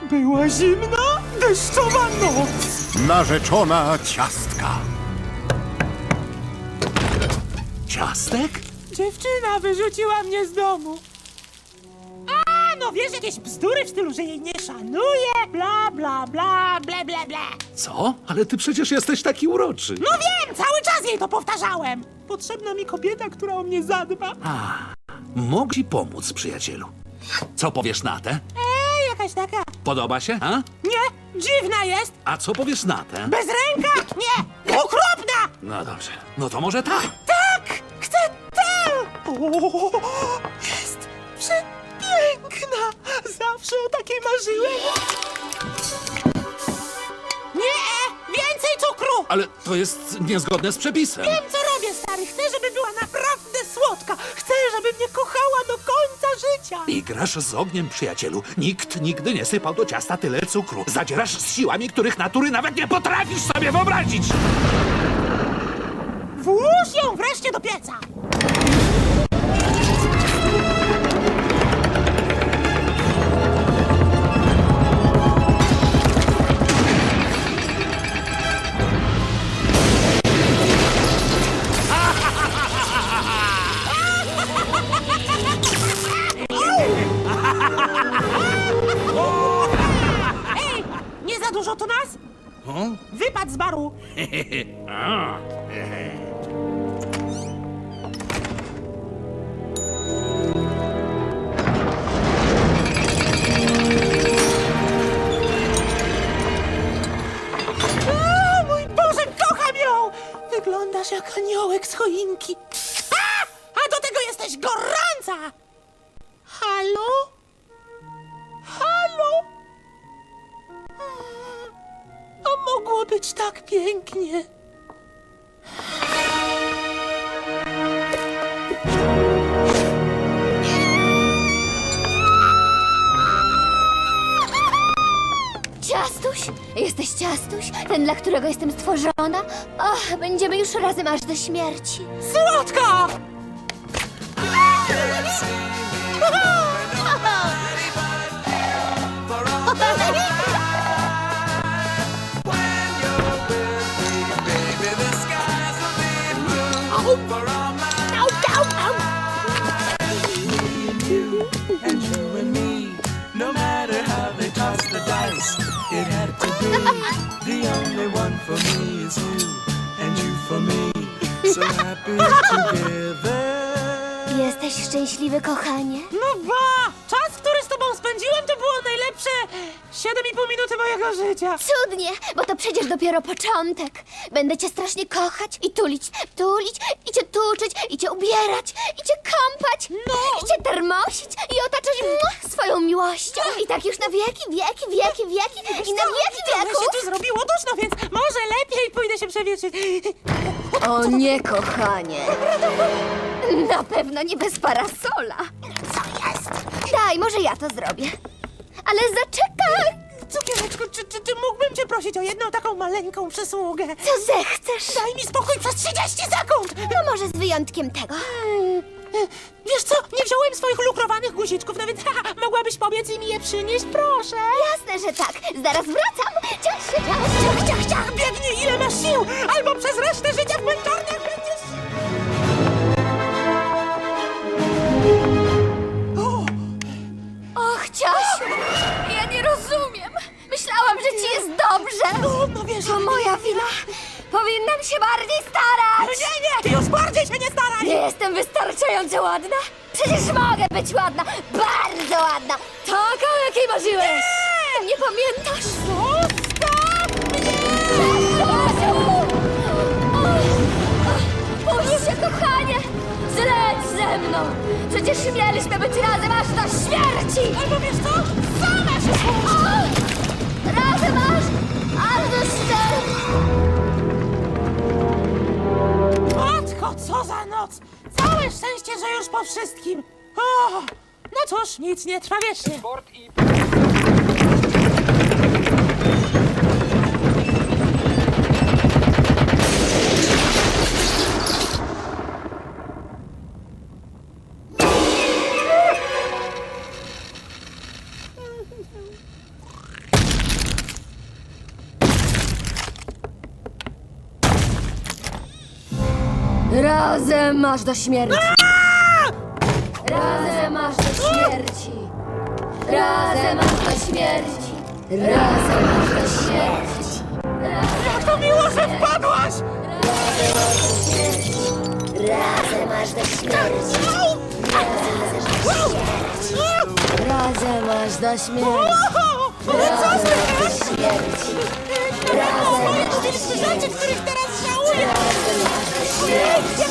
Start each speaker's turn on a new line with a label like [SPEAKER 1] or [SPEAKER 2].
[SPEAKER 1] Była zimna, deszczowa noc.
[SPEAKER 2] Narzeczona ciastka.
[SPEAKER 3] Ciastek?
[SPEAKER 1] Dziewczyna wyrzuciła mnie z domu. A, no wiesz, jakieś bzdury w stylu, że jej nie szanuje, bla, bla, bla, ble, ble, ble.
[SPEAKER 3] Co? Ale ty przecież jesteś taki uroczy.
[SPEAKER 1] No wiem, cały czas jej to powtarzałem. Potrzebna mi kobieta, która o mnie zadba.
[SPEAKER 3] Mogę ci pomóc, przyjacielu. Co powiesz na tę?
[SPEAKER 1] Jakaś taka.
[SPEAKER 3] Podoba się, a?
[SPEAKER 1] Nie, dziwna jest.
[SPEAKER 3] A co powiesz na tę?
[SPEAKER 1] Bez ręka? Nie, okropna.
[SPEAKER 3] No dobrze. No to może tak.
[SPEAKER 1] Tak, chcę tę. O, jest przepiękna. Zawsze o takiej marzyłem. Nie, więcej cukru.
[SPEAKER 3] Ale to jest niezgodne z przepisem.
[SPEAKER 1] Wiem, co robię, stary. Chcę, żeby była naprawdę słodka. Chcę, żeby mnie kochała do końca życia.
[SPEAKER 3] I grasz z ogniem, przyjacielu. Nikt nigdy nie sypał do ciasta tyle cukru. Zadzierasz z siłami, których natury nawet nie potrafisz sobie wyobrazić.
[SPEAKER 1] Włóż ją wreszcie do pieca. Ej, nie za dużo to nas? Wypadł z baru. O, mój Boże, kocham ją! Wyglądasz jak aniołek z choinki. A do tego jesteś gorąca! Halo? Halo? A mogło być tak pięknie.
[SPEAKER 4] Ciastuś? Jesteś Ciastuś? Ten, dla którego jestem stworzona? Och, będziemy już razem aż do śmierci.
[SPEAKER 1] Słodko! Au, au, au.
[SPEAKER 5] And you and me, no matter how they toss the dice, it had to be. The only one for me is you, and you for me. So happy together.
[SPEAKER 4] Jesteś szczęśliwy, kochanie?
[SPEAKER 1] No ba! Czas, który z tobą spędziłem, to było najlepsze 7,5 minuty mojego życia.
[SPEAKER 4] Cudnie, bo to przecież dopiero początek. Będę cię strasznie kochać i tulić, i cię tuczyć, i cię ubierać, i cię kąpać, i cię termosić, i otaczać swoją miłością. I tak już na wieki, wieki, wieki, wieki, i na wieki
[SPEAKER 1] Trochę
[SPEAKER 4] wieków.
[SPEAKER 1] się tu zrobiło duszno, więc może lepiej pójdę się przewietrzyć.
[SPEAKER 4] O nie, kochanie. Na pewno nie bez parasola.
[SPEAKER 1] Co jest?
[SPEAKER 4] Daj, może ja to zrobię. Ale zaczekaj.
[SPEAKER 1] Cukiereczku, czy mógłbym cię prosić o jedną taką maleńką przysługę?
[SPEAKER 4] Co zechcesz?
[SPEAKER 1] Daj mi spokój przez 30 sekund!
[SPEAKER 4] No może z wyjątkiem tego.
[SPEAKER 1] Wiesz co, nie wziąłem swoich lukrowanych guziczków, no więc mogłabyś pobiec i mi je przynieść, proszę.
[SPEAKER 4] Jasne, że tak. Zaraz wracam. Ciach się, ciach,
[SPEAKER 1] Ciach, ciach, ciach, biegnij ile masz sił, albo przez resztę życia w męczarniach będziesz...
[SPEAKER 4] Och, Ciasiu, ja nie rozumiem. Myślałam, że ci jest dobrze.
[SPEAKER 1] No wiesz...
[SPEAKER 4] To moja wina. Powinnam się bardziej starać.
[SPEAKER 1] Nie, już bardziej się nie staraj!
[SPEAKER 4] Nie jestem wystarczająco ładna? Przecież mogę być ładna. Bardzo ładna. Taka, o jakiej marzyłeś. Nie pamiętasz?
[SPEAKER 1] Zostaw mnie!
[SPEAKER 4] Ciasiu! Puść się, kochanie. Zleć ze mną. Przecież mieliśmy być razem aż do śmierci.
[SPEAKER 1] Albo wiesz co? Sama się
[SPEAKER 4] O! Razem aż do śmierci.
[SPEAKER 1] Matko, co za noc! Całe szczęście, że już po wszystkim. O, no cóż, nic nie trwa wiecznie.
[SPEAKER 4] Razem aż do śmierci. Razem aż do śmierci. Razem aż do śmierci. Razem aż do śmierci.
[SPEAKER 1] Jak to miło, że wpadłaś!
[SPEAKER 4] Razem aż do śmierci. Razem aż do śmierci. Razem aż do śmierci. Razem aż do śmierci.
[SPEAKER 1] Rzeczy, których teraz żałuję!
[SPEAKER 4] Razem aż do śmierci.